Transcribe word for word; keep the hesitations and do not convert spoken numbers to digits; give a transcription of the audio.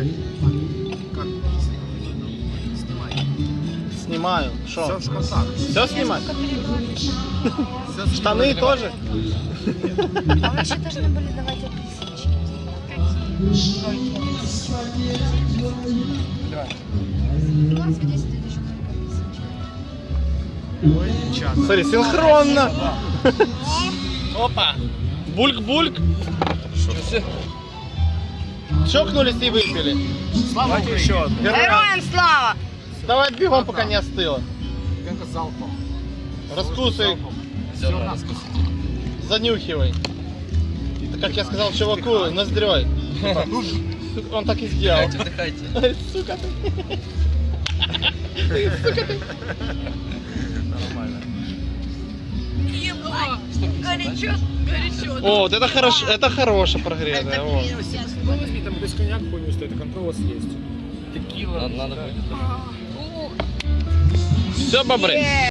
Снимаю. Что? Все в шкафах. Все снимать? Штаны тоже? А мы еще должны были давать апельсинчики. У нас десять тысяч апельсинчиков. Ой, девчата. Смотри, синхронно. Опа. Бульк-бульк. Чокнулись и выпили. Слава Украине. Еще одну. Героям слава! Давай бегом, пока не остыло. Венка залпом. Раскусывай, Все на занюхивай. Это, как я сказал чуваку, ноздрёй. Он так и сделал. Отдыхайте. Сука ты. Нормально. Горячо, горячо. О, вот это хорошо, это хорошо прогретое. Вот. Ну возьми, там без коньяк хуйню стоит, а контрол у вас есть. Надо, надо будет. Все, бобры.